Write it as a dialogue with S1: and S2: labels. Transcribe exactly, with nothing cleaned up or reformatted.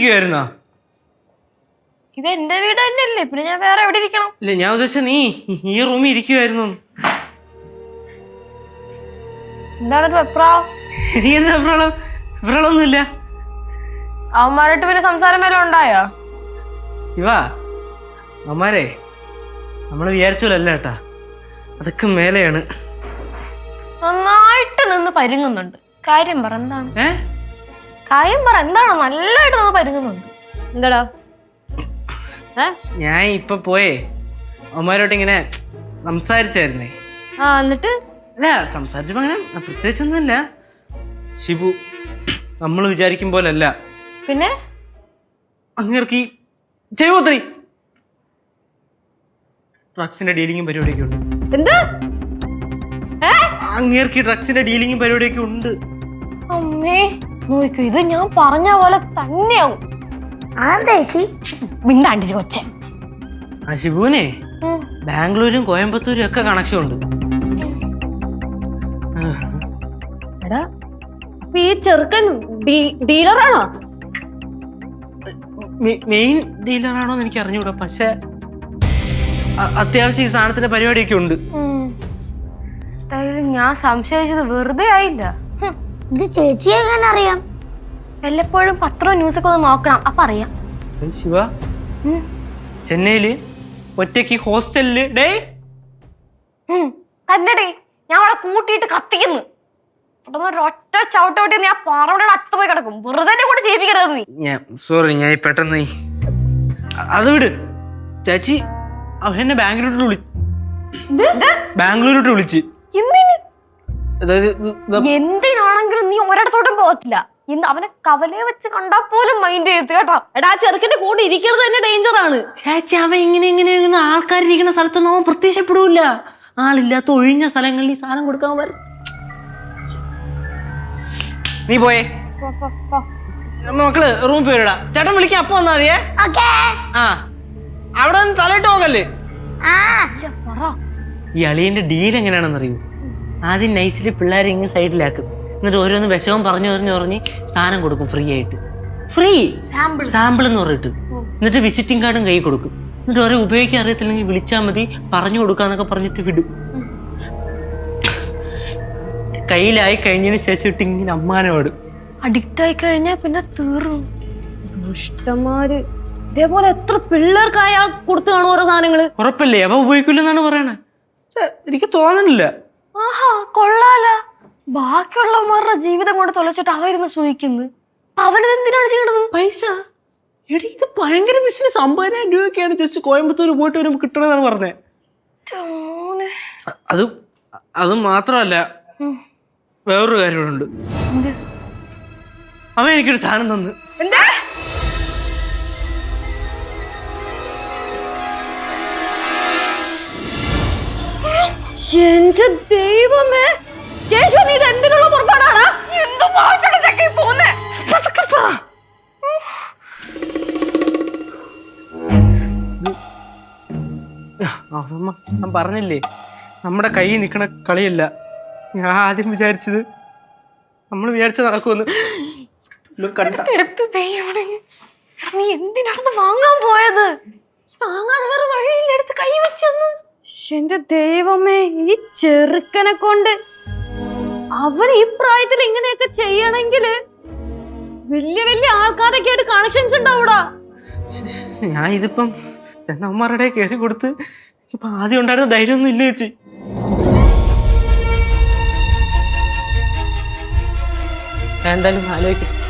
S1: ഇരിക്കുവായിരുന്നോ?
S2: ഇത് എന്റെ വീട് തന്നെയല്ലേ, പിന്നെ ഞാൻ വേറെ എവിടെ ഇരിക്കണം?
S1: ഇല്ല, ഞാൻ ഉദ്ദേശിച്ച നീ ഈ റൂമിൽ ഇരിക്കുവായിരുന്നു.
S2: എന്താണ് വെപ്രാളം?
S1: എനിക്ക് എന്താ വെപ്രാളം? വെപ്രാളൊന്നുമില്ല.
S2: അവന്മാരായിട്ട് പിന്നെ സംസാരം വല്ലതും ഉണ്ടായോ?
S1: ശിവ, അവന്മാരെ നമ്മള് വിചാരിച്ചോലല്ല കേട്ടാ, അതൊക്കെ മേലെയാണ്.
S2: നന്നായിട്ട് നിന്ന് പരുങ്ങുന്നുണ്ട്. കാര്യം പറ, എന്താണ്?
S1: ഏ
S2: കാര്യം പറ, എന്താണ്? നല്ലതായിട്ട് നിന്ന് പരുങ്ങുന്നുണ്ട്. എന്താടാ?
S1: ഞാൻ ഇപ്പൊ പോയേ അവന്മാരോട്ട് ഇങ്ങനെ സംസാരിച്ചായിരുന്നേ.
S2: ആ, എന്നിട്ട്?
S1: അല്ല, സംസാരിച്ചപ്പോ അങ്ങനെ പ്രത്യേകിച്ചൊന്നുമില്ല. ശിവു നമ്മൾ വിചാരിക്കും പോലല്ല.
S2: പിന്നെ
S1: അങ്ങേർക്ക് ഈ ചെയ്വോത്രി ഡ്രഗ്സിന്റെ ഡീലിങ്ങും പരിപാടിയൊക്കെ ഉണ്ട്.
S2: എന്ത്?
S1: അങ്ങേർക്ക് ഈ ഡ്രഗ്സിന്റെ ഡീലിങ്ങും പരിപാടിയൊക്കെ ഉണ്ട്.
S2: അമ്മേ നോക്കൂ, ഇത് ഞാൻ പറഞ്ഞ പോലെ തന്നെയാവും. ആന്തേച്ചി മിണ്ടാണ്ടിരി കൊച്ച.
S1: ആ ശിവുവിനെ ബാംഗ്ലൂരും കോയമ്പത്തൂരും ഒക്കെ കണക്ഷൻ ഉണ്ട്.
S3: എടാ, ഈ ചെറുക്കൻ ഡീലറാണോ?
S1: മെയിൻ ഡീലറാണോന്ന് എനിക്ക് അറിഞ്ഞൂടാ, പക്ഷെ അത്യാവശ്യം ഈ സാധനത്തിന്റെ പരിപാടിയൊക്കെ ഉണ്ട്.
S2: ഞാൻ സംശയിച്ചത് വെറുതെ ആയില്ല.
S4: ഇത് ചേച്ചിയെ എങ്ങനെ അറിയാം?
S2: വല്ലപ്പോഴും പത്രവും ന്യൂസൊക്കെ ഒന്ന് നോക്കണം, അപ്പൊ അറിയാം.
S1: ശിവ, ചെന്നൈയില് ഒറ്റയ്ക്ക് ഹോസ്റ്റലില് ഡേ
S2: തന്നെടേ ഞാൻ അവിടെ കൂട്ടിയിട്ട് കത്തിക്കുന്നു. ഒറ്റ ചവിട്ടോട്ടി ഞാൻ പാറയുടെ അത്ത് പോയി കിടക്കും. വെറുതെ കൂടെ ചെയ്യിപ്പിക്കരുത് നീ.
S1: ഞാൻ സോറി, ഞാൻ പെട്ടെന്ന് അത് വിട് ചേച്ചി. എന്നെ ബാംഗ്ലൂരിലോട്ട് വിളി ബാംഗ്ലൂരിലോട്ട് വിളിച്ച്
S2: എന്തിനാണെങ്കിലും നീ ഒരിടത്തോട്ടും പോകത്തില്ല. ഇന്ന് അവനെ കവലയെ വെച്ച് കണ്ടാ പോലും മൈൻഡ് ചെയ്ത് കേട്ടോ.
S3: എടാ, ചെറുക്കന്റെ കൂടെ ഇരിക്കുന്നത് തന്നെ ഡേഞ്ചർ ആണ്
S1: ചേച്ചി. അവൻ ഇങ്ങനെ ഇങ്ങനെ ആൾക്കാരിരിക്കുന്ന സ്ഥലത്തൊന്നും അവൻ പ്രത്യക്ഷപ്പെടൂല. ആളില്ലാത്ത ഒഴിഞ്ഞ സ്ഥലങ്ങളിൽ ഈ സാധനം കൊടുക്കാൻ വരും. നീ പോയേ, മക്കള് റൂം പോയിടാ. ചേട്ടൻ വിളിക്കാം, അപ്പൊ വന്നാ മതിയേ. ആ, അവിടെ നിന്ന് തലയിട്ട് നോക്കല്ലേ. ഈ അളിയന്റെ ഡീൽ എങ്ങനെയാണെന്ന് അറിയൂ? ആദ്യം നൈസില് പിള്ളേരെ ഇങ്ങനെ സൈഡിലാക്കും, എന്നിട്ട് ഓരോന്ന് വിഷമം പറഞ്ഞു പറഞ്ഞു പറഞ്ഞ് സാധനം കൊടുക്കും ഫ്രീ ആയിട്ട്. ഫ്രീ സാമ്പിൾ സാമ്പിൾ എന്ന് പറഞ്ഞിട്ട് എന്നിട്ട് വിസിറ്റിംഗ് കാർഡും കൈ കൊടുക്കും. എന്നിട്ട് ഓരോ ഉപയോഗിക്കാൻ അറിയത്തില്ലെങ്കിൽ വിളിച്ചാൽ മതി, പറഞ്ഞു കൊടുക്കാന്നൊക്കെ പറഞ്ഞിട്ട് വിടും. കയ്യിലായി കഴിഞ്ഞതിന് ശേഷം ഇട്ട് ഇങ്ങനെ അമ്മാനോടും.
S2: അഡിക്റ്റ് ആയി കഴിഞ്ഞാൽ പിന്നെ തീർന്നു.
S3: ദുഷ്ടന്മാര്. ഇതേപോലെ എത്ര പിള്ളേർക്ക് അയാൾ കൊടുത്തു കാണും ഓരോ സാധനങ്ങള്.
S1: ഉറപ്പല്ലേ അവ ഉപയോഗിക്കില്ലെന്നാണ് പറയണേ? എനിക്ക് തോന്നണില്ല.
S2: ആഹാ, കൊള്ളാല. ബാക്കിയുള്ളവന്മാരുടെ ജീവിതം കൊണ്ട് തൊലച്ചിട്ട് അവരുന്ന് സൂഹിക്കുന്നത്. അവനത് എന്തിനാണ് ചെയ്യണത്?
S1: പൈസ. എടി, ഇത് ഭയങ്കര ബിസിനസ്. അമ്പതിനായിരം രൂപയൊക്കെയാണ് ജസ്റ്റ് കോയമ്പത്തൂർ പോയിട്ട് വരുമ്പോ കിട്ടണമെന്നാണ് പറഞ്ഞേ. അത് അത് മാത്രമല്ല, വേറൊരു കാര്യമുണ്ട്. അവൻ എനിക്കൊരു സാധനം തന്നു.
S2: എന്താ?
S3: എന്റെ ദൈവമേ, കേശവ, നീ ഇത് എന്തിനുള്ള പുറപ്പാടാണ്?
S1: ഞാൻ പറഞ്ഞില്ലേ, നമ്മുടെ കൈ നിക്കണ കളിയല്ല. ഞാൻ ആദ്യം വിചാരിച്ചത് നമ്മൾ വിചാരിച്ചത് നടക്കുമെന്ന്.
S2: നീ എന്തിനാണ് വാങ്ങാൻ പോയത്? വാങ്ങാതെ വേറെ വഴിയില്ല, എടുത്ത് കൈ വെച്ചെന്ന്.
S3: എന്റെ ദൈവമേ, ഈ ചെറുക്കനെ കൊണ്ട് അവൻ ഈ പ്രായത്തിൽ ഇങ്ങനെയൊക്കെ ചെയ്യണമെങ്കില് വലിയ വലിയ ആൾക്കാരൊക്കെ ആയിട്ട് കണക്ഷൻസ് ഉണ്ടാവൂടാ.
S1: ഞാൻ ഇതിപ്പം ചെന്നമ്മമാരുടെ കയറി കൊടുത്ത് ഇപ്പൊ ആദ്യം ഉണ്ടായിരുന്ന ധൈര്യമൊന്നും ഇല്ല ചേച്ചി. ഞാൻ എന്തായാലും ആലോചിക്കും.